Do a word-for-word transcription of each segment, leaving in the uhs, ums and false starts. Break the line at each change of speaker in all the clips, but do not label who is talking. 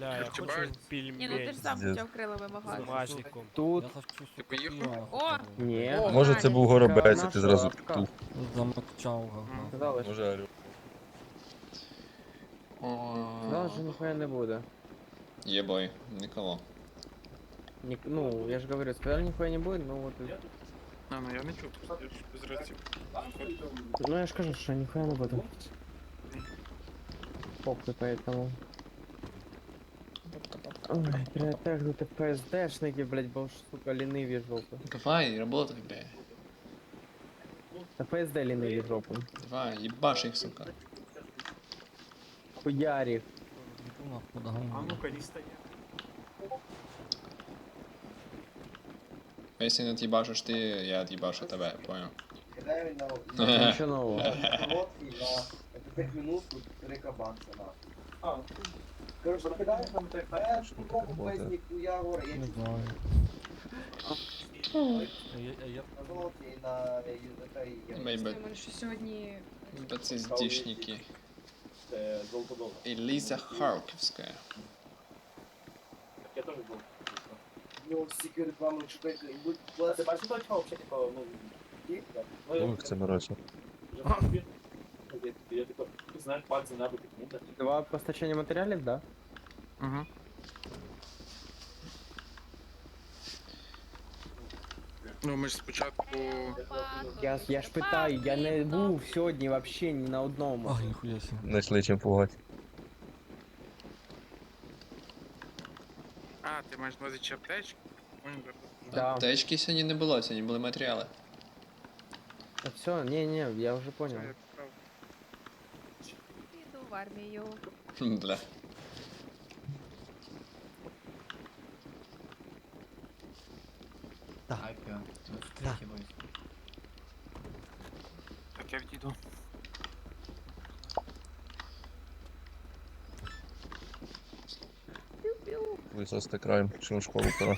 Бля, я хочу
Ні, ну ти
пельмень
ж сам
Пиздец.
хотів крила
з
вимагати.
бумажником.
Тут...
Я хочу
Ти
сухопива
поїхав?
О!
хотя бы.
Ні.
О,
Може це був
Галя.
горобець, а ти
Наша
зразу
лапка.
петух.
Замокчал, ага.
Сказали, що
Може орел.
сказали, що ніхуя не буде.
Єбой, Николо.
Ні, ну, я ж говорю, сказали, ніхуя не буде, ну вот... и-
А, ну я не чув, я ж без рації.
Ну я ж кажу, що ніхуя не буде. Похуй, поэтому... Ой, перетягнути ПСДшники, блять, бо ж, сука, ліниві жопи.
Давай, работай, бля.
Та ПСД ліниві жопи.
Давай, ебашь их, сука.
Хуярі.
Иду нахуй догоняю.
ну-ка, не стоять.
А если не отъебашишь ты, я отъебашу тебя, понял?
Реально,
Нічого нового.
короткий на п'ять минут тут три кабанця на. Короче, кидаєш там ТП, попробуй песник у Ягора, я
Не знаю. А я- а я-
на золоті і на ЮЗК і я.
Мейбет,
що сьогодні...
бацездишники. Элиза Харковская.
Ну, всі реклами чекайте, і будь плати. Бачиш, точка взагалі, типу, ну, є, так?
Ну, це морочно.
Я типу, знаєш, пальці набити кнути.
Два постачання матеріалів, да?
Угу. Ну, ми ж спочатку...
Я, я ж питаю, я не був сьогодні вообще ні на одному.
Ах, нихуя себе.
Знайшли чим пугати.
А, ти маєш на увазі чи аптечки? Понял, добре.
Да.
Аптечки сьогодні не було, сьогодні були матеріали.
А все, не, не, я вже понял.
Все, я поправ.
Іду в армію.
Бля.
Так, я відійду.
Висости краєм, що в школу пора.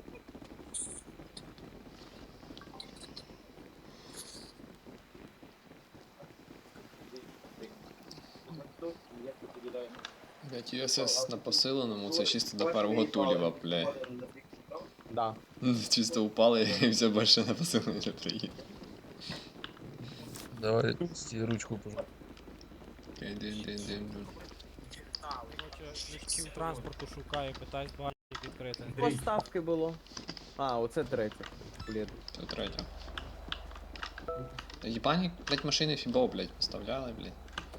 Блять, ю ес ес на посиленому, це чисто до первого тулєва, бля.
Да.
Чисто упали і все більше на посиленому не приїде.
Давай стій ручку пожалуйста.
Окей, дин, дин, дин.
Короче, міським транспорту шукаю, питаюсь багато відкрити.
Поставки було. А, оце третє. Блін.
Це третя. Та єбані, блять, машини фібо, блять, поставляли, блять.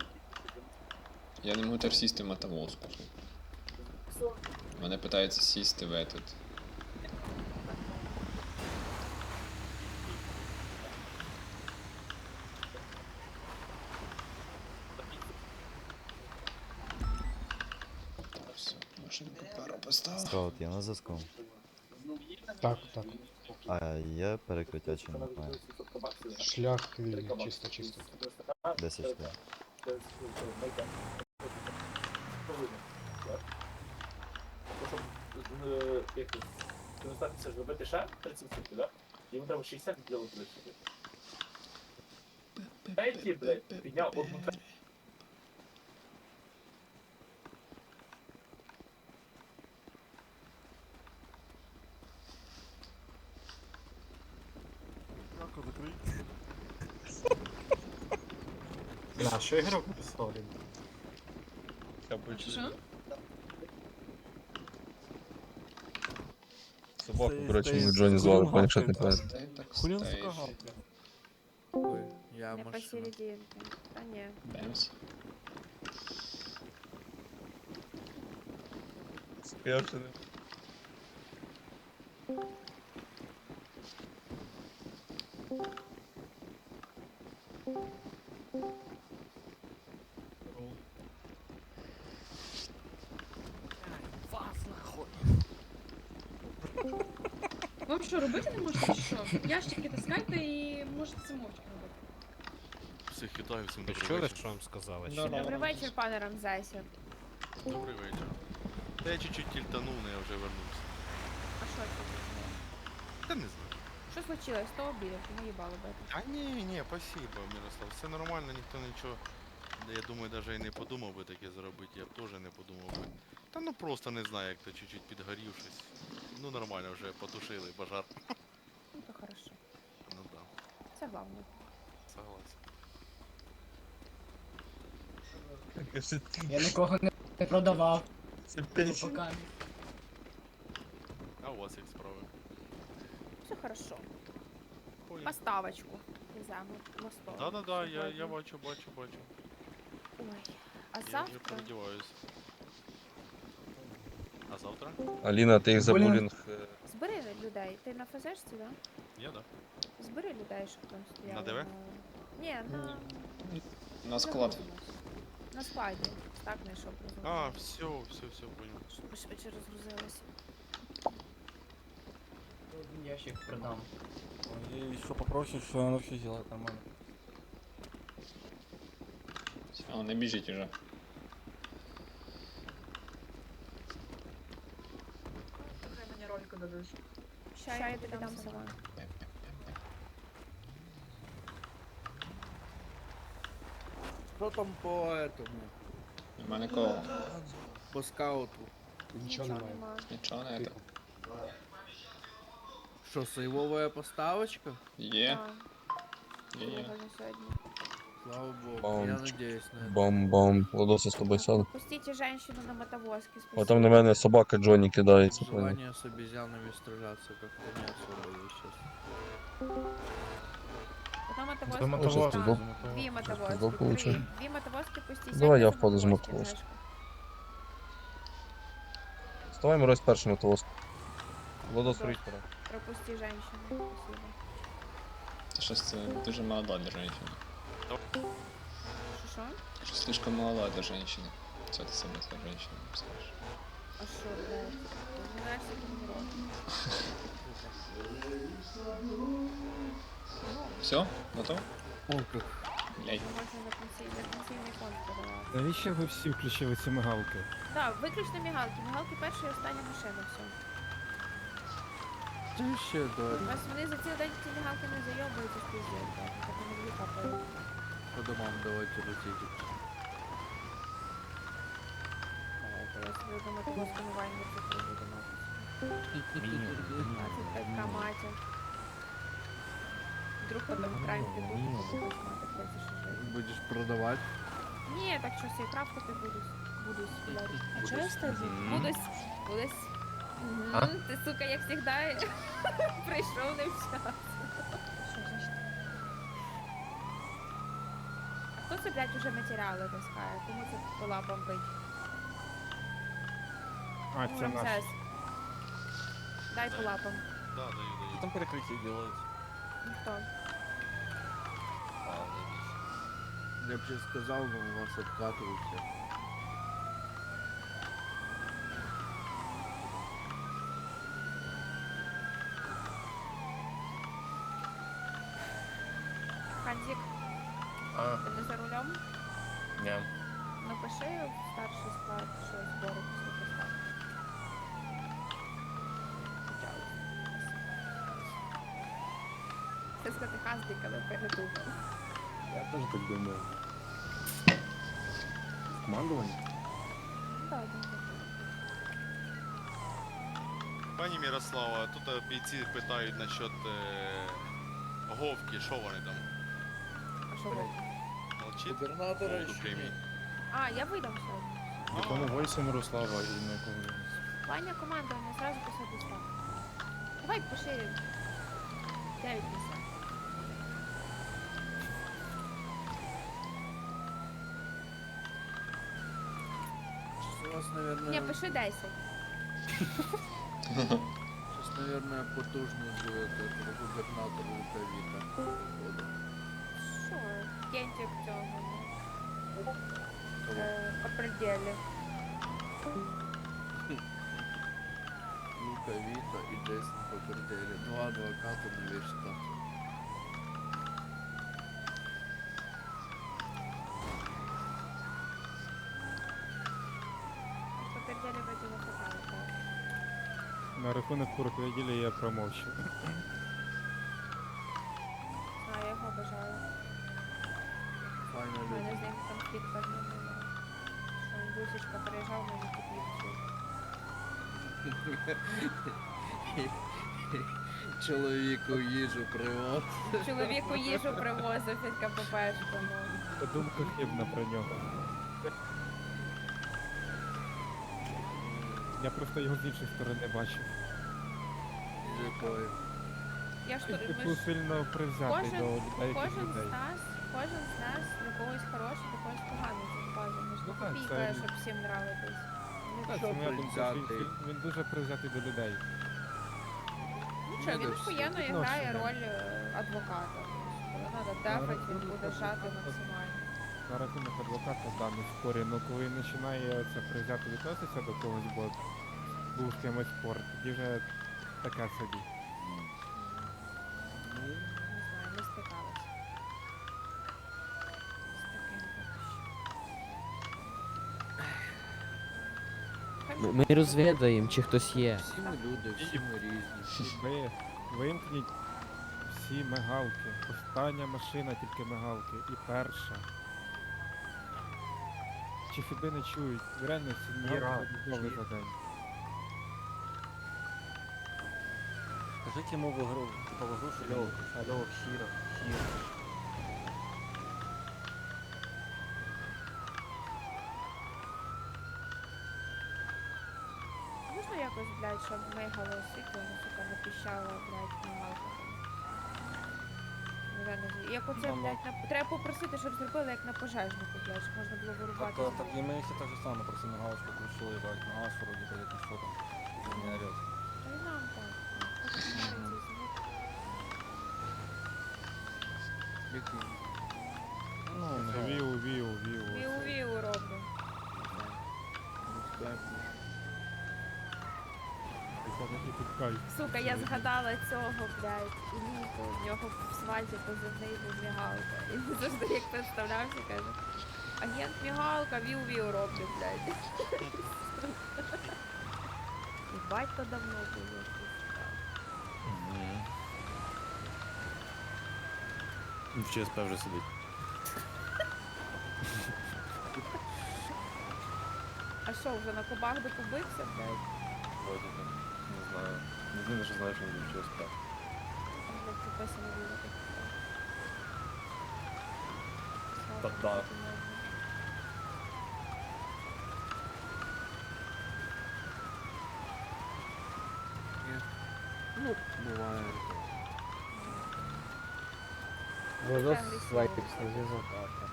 Я не можу тепер сісти в мотовозку. Мене питаються сісти в этот. Все, машинку пару поставив.
Скаут, я на зв'язку.
Так, так.
А є перекриття чи немає?
Шлях вільний, чисто, чисто.
десять штук.
Це ж робити ще тридцять сутки, так? Йому треба шістдесят зробити тридцять. Третій, блядь, підняв одну третю.
На, що ігрок написав?
Що?
Собаку, коротше, ми Джоні звали, поняв, що ти кажеш.
Стей так
Хулин
стей.
сука гавкає.
Ой, я
Не
машина.
посерединке. Та ні.
Бемс.
Спешно.
Вам що, робити не можете, чи що? Ящики таскайте і можете самовчки робити.
Всіх вітаю, всім
Ви
добрий
чули,
вечір.
що вам сказали?
Да,
Чи ні?
да.
Добрий вечір, пане Рамзесі.
Добрий вечір. Та я чуть-чуть тільтанув, але я вже вернувся.
А що це?
Та не знаю.
Що случилось? Хто обідав? Ти наїбало бити.
А ні, ні, спасибо, Мирослав. Все нормально, ніхто нічого. Я думаю, навіть і не подумав би таке зробити, я б теж не подумав би. Та ну просто не знаю, як то чуть-чуть підгорів щось. Ну нормально, вже потушили пожар.
Ну то хорошо.
Ну да,
Це головне.
согласен.
Я
нікого не продавав.
Це п'ять.
А у вас як справи?
Все хорошо.
Понял.
Поставочку веземо на стол.
Да-да-да, я, я
сьогодні.
бачу, бачу, бачу.
Ой. А
Я вже
завтра?
переодіваюсь. А завтра?
Аліна, ти їх за
Блін.
булінг. е,
Збери людей. Ти на ФЗшці, да?
Я, да.
Збери людей, щоб там стояли.
ДВ?
Ні, на...
На склад.
На складі. Так знайшов.
А, все, все, все, понял.
Щоб швидше розгрузилося.
Ящик продам.
И еще попросишь, что она все сделает нормально.
Все, не біжіть уже.
Ща я тобі дам сама.
Що там по этому?
Нема нікого.
По скауту?
Нічого немає.
нема.
Нічого не це.
Що, сейвовая поставочка?
Є.
А,
Є, є.
виграли сьогодні.
Слава богу,
Бам.
я надеюсь на это.
Бом-бом. Лодоса з тобою сяду.
Пустите женщину на мотовозке.
А там на мене собака Джонні кидається. понял.
Желание с обезьянами сражаться как-то не особо есть сейчас.
Потом мотовозки.
Там
Ой, щас
мотовозки.
пізду.
Дві мотовозки.
пізду
Три.
получу.
Дві мотовозки пустіть.
Давай я
сядьте
впаду з
мотовозки,
мотовозки.
Гришко.
Вставай, морозь перший мотовоз. Лодос
Добре.
рить пора.
Пропусти женщину. Спасибо.
Та щось це дуже молода для женщини.
Що, що?
Що слишком молода для женщини. Це ти саме для женщини скажеш.
А що, блядь? Ти знаєш, як він робить?
Все? Готов?
О, как.
Блять.
Можна на пенсій- на пенсійний фонд подавати.
Навіщо ви всі включили ці мигалки?
Так, виключно мігалки. Мігалки перша і остання машина, все.
Ты еще, да,
У вас вони за цілий день ці мігалки не зайобуються з піздець, так. Так вони дві капають.
по домам давайте летите.
Давайте, я собі до мотовозку вайнер закрию до матусі. двадцять п'ять ка мати. Вдруг потом крайм піду, буду мати п'ять шажей.
Будешь продавать?
Ні, так що всі крафтити будуть. Будуть, блядь. А чого я стежу? Будуть. Будуть.
А?
Мгм, Ти, сука, як завжди, прийшов не вчасно. А хто це, блядь, уже матеріали таскає? Кому це по лапам бить?
А,
Ну,
це наш.
Рамзес. Дай по лапам.
Да, даю, даю.
Там перекрытие делают.
Ніхто.
Я бы сейчас сказал, но у вас откатываются.
Ханзик,
А,
ти не за рулем?
ні.
Напиши в старший склад, що збори після поставки. Це сказати Ханзик, але передумав.
Я теж так думаю. Командування?
Так, так, так.
Пані Мирослава, тут е, бійці питають насчет е, Говки, що вони там?
А що ви?
Молчить?
Губернатора
Голду
еще
премії.
нет.
А, я видам сьогодні.
В якому войсі Мирослава і на кого?
Ваня командування, сразу писати став. Давай пошире. Дев'ять писав.
Сейчас у вас, наверное,
Ні, пиши десять.
сейчас, наверное, потужный будет этого губернатора Луковита. походу.
Що? Кентик цього. Е, по пределі.
Луковита и Джейсон Покердели. Два адвоката на весь штат.
По пределі вроді не хватало, так.
На рахунок куркведілі я промовчу.
А, я його бажаю. У
Файно
мене з
люди.
ним конфлікт певний був. Що він бусечка приїжджав, мені купив цю
Чоловіку їжу привоз.
Чоловіку їжу привозив від КППшку, ну.
Думка хибна про нього. Я просто його з іншої сторони бачив.
Якою?
Я ж
Він
тут, ми
типу
ж
сильно привзятий
кожен,
до деяких
кожен
людей.
з нас, кожен з нас для когось хороший, для когось поганий тут база. Ми ж
Ну
не
так,
копійка,
це-
щоб всім нравитись.
Так,
Що
це моя думка, що він,
привзятий?
він- він дуже привзятий до людей.
Ну що, він
Надо всі
охуєнно грає
відношення.
роль е, адвоката. Коли треба дефать, він буде жати максимально.
На рахунок адвоката в даному спорі, ну коли він починає оце привзято відноситися до когось, бо був з кимось спор, тоді вже таке собі.
Не знаю, не стикалась. З таким поки що.
Ми розвідаємо, чи хтось є. Всі ми люди,
всі
ми різні.
Ви вимкніть всі мигалки. Остання машина тільки мигалки. І перша. Чи фіби не чують? Реально всі мигалки відмовили за день.
Скажіть йому в игру, типа в игру, що
Алло,
він-
алло, Хіра, Хіра.
Можна якось, блядь, щоб мигало світло, ну, сука, не піщало, блядь, мигалка. Нереально зі- Як оце,
Мама.
блядь, на... треба попросити, щоб зробили як на пожежнику, блядь, щоб можна було вирубати.
Так, так,
звідти.
і ми всі так же само, просто мигалочку включили, ебать, на газ вроде, блядь, ну що там, не орёт.
Та й нам так. Так, так, знаєте, звук.
Ну,
Це Віу, віу, віу.
Віу-віу роблю.
І тут кайф.
Сука, я згадала цього, блядь, Ілійку, в нього в свальці позивний був мігалка. І він завжди як представлявся, каже, агент мігалка, віу-віу роблю, блядь. І батько давно було.
В ЧСП вже сидить.
А що, вже на кубах докубився, блядь?
Вроді так. Не знаю. Єдине, що знаю, що він в ЧСП.
Там, блядь, підписано було так.
Та да.
Ну, буває. Воно свайтився на зв'язок.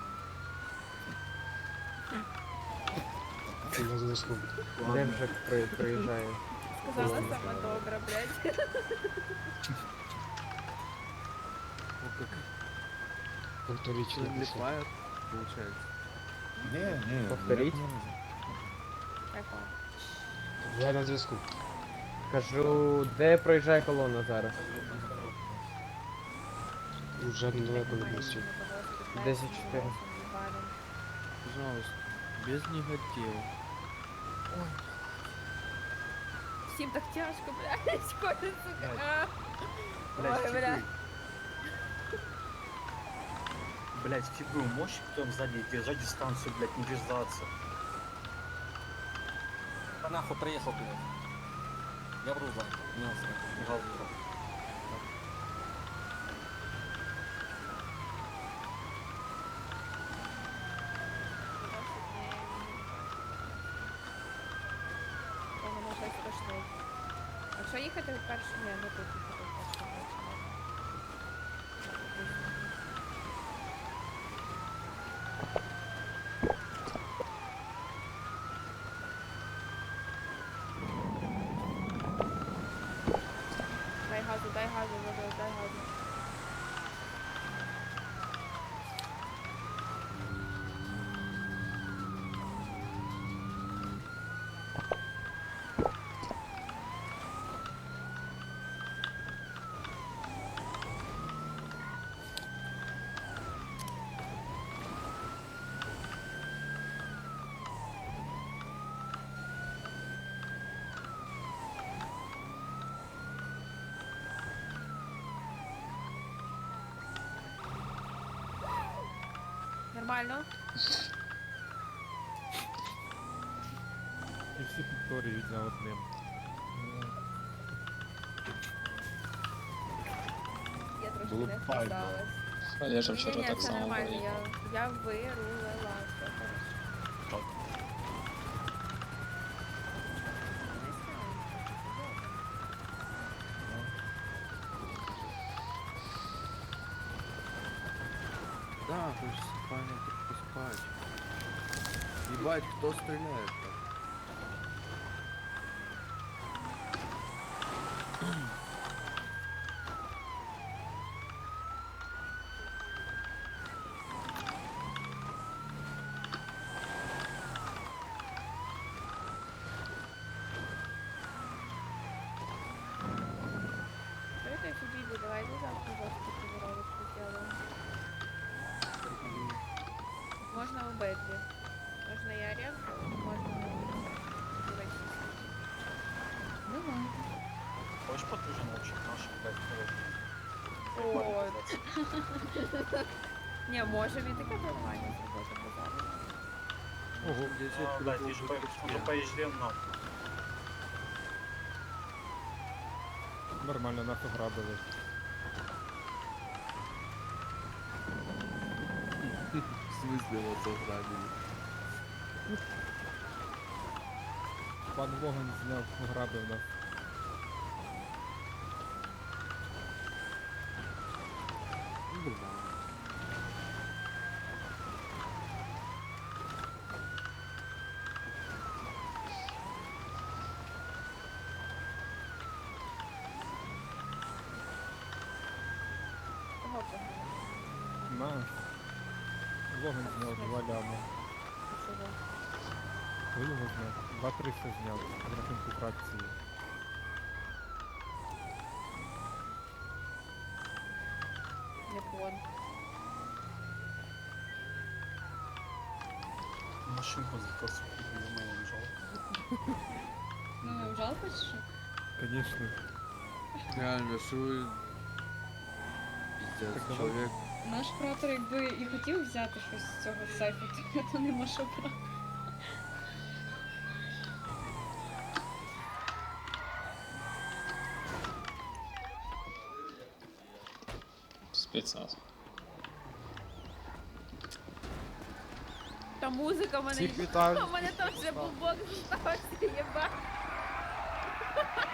Де вже при, приїжджає?
Сказала сама добра, блядь.
Ліпає, виходить.
Ні, ні.
Повторіть.
Яка?
Я на зв'язку.
Кажу, де проїжджає колона зараз?
Уже недалеко від місця.
десять чотири.
Пожалуйста, без негативу.
Всім так тяжко, блядь, кожен, сука. а. Ой, блядь.
Блять, фигуру можешь потом сзади держать дистанцию, блять, не врезаться.
Та нахуй приїхав, блядь. Я вру за. Ні, мигал вру.
О, мене щось страшне. А що їхати вперше? Ні, не тут їхати вперше. Дай газу, дай газу, дай, дай газу. Нормально?
І всі повторюють за одним.
Я трошки
Було б
не
файно.
вписалась.
Олежа вчора
Ні-ні,
так
це
само
нормально,
проїхав.
я, я вирулила, все хорошо. Не ставимо,
Да, хочется спальня тут поспать. Ебать, кто стреляет так?
Что это Фибиби? Давайте завтра жорстко тренировочку сделаем. Можно обидві. Можна і аренку, можна дивитися.
Давай.
Хочешь подруженочек наш, блядь,
О, не, можемо і таке нормально зробити базар.
Ого,
А, блядь, ты же по- уже поезжаем нахуй.
нормально нас ограбили.
В смысле вот заграбили?
Пан Воган зняв, ограбив нас.
Кого погано?
Нас. Воган зняв два ляма.
Чого?
Ви його зняв. Два триста зняв. В рахунку фракції.
Не пон.
Машинку закосил, я моего жалко.
Ну, жалко чи що?
Конечно.
Реально, что вы... Пиздец,
Так давай.
человек...
Наш куратор якби і хотів взяти щось з цього сейфу, то, то нема що брати.
Спецназ.
Та музика в мене.
Всіх вітаю.
У мене теж бубок стався, єба.